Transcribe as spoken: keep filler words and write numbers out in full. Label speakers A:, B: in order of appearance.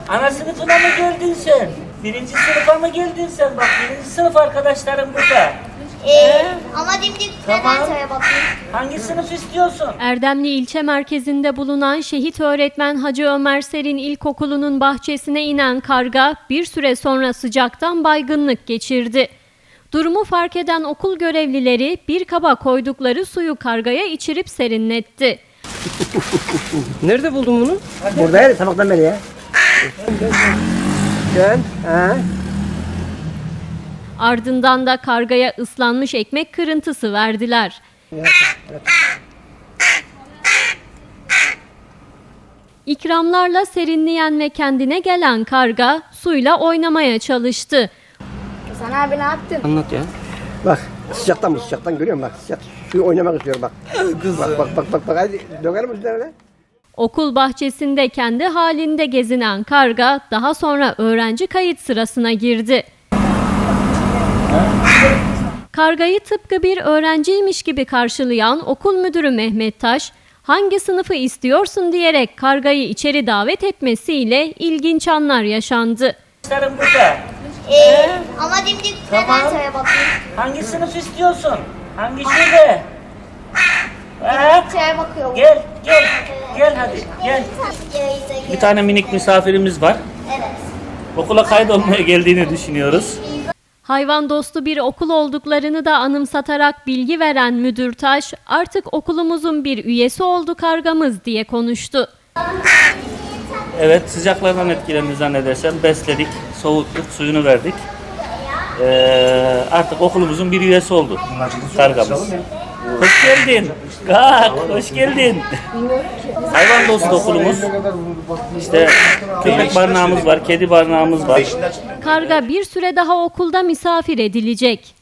A: Ana sınıfına mı geldin sen? Birinci sınıfa mı geldin sen? Bak birinci sınıf arkadaşlarım burada.
B: Ee, ama dimdik
A: Tamam.
B: neden söyle bakayım.
A: Hangi sınıf istiyorsun?
C: Erdemli ilçe merkezinde bulunan şehit öğretmen Hacı Ömer Serin İlkokulu'nun bahçesine inen karga bir süre sonra sıcaktan baygınlık geçirdi. Durumu fark eden okul görevlileri bir kaba koydukları suyu kargaya içirip serinletti.
D: Nerede buldun bunu?
E: Burada ya, sabahtan beri ya. Gel, ha.
C: Ardından da kargaya ıslanmış ekmek kırıntısı verdiler. İkramlarla serinleyen ve kendine gelen karga suyla oynamaya çalıştı.
B: Hasan abi ne yaptın?
D: Anlat ya.
E: Bak, sıcaktan mı sıcaktan görüyor musun bak. Sıcak. Suyu oynamak istiyorum bak. Bak bak bak bak bak hadi dökelim üzerine.
C: Okul bahçesinde kendi halinde gezinen karga daha sonra öğrenci kayıt sırasına girdi. Kargayı tıpkı bir öğrenciymiş gibi karşılayan okul müdürü Mehmet Taş, hangi sınıfı istiyorsun diyerek kargayı içeri davet etmesiyle ilginç anlar yaşandı.
A: Arkadaşlarım burada.
B: Ee, ama dimdik
A: Tamam.
B: neden söyle bakayım.
A: Hangi sınıf istiyorsun? Hangi şube? Ha?
B: Şeye bakıyor.
A: Gel, gel, gel hadi, gel. Bir tane minik misafirimiz var.
B: Evet.
A: Okula kaydolmaya geldiğini düşünüyoruz.
C: Hayvan dostu bir okul olduklarını da anımsatarak bilgi veren müdür Taş, artık okulumuzun bir üyesi oldu kargamız diye konuştu.
A: Evet, sıcaklardan etkilendi zannedersem. Besledik, soğuttuk, suyunu verdik. Ee, artık okulumuzun bir üyesi oldu kargamız. Hoş geldin. Kalk, hoş geldin. Hayvan dostu okulumuz. İşte köpek barınağımız var, kedi barınağımız var.
C: Karga bir süre daha okulda misafir edilecek.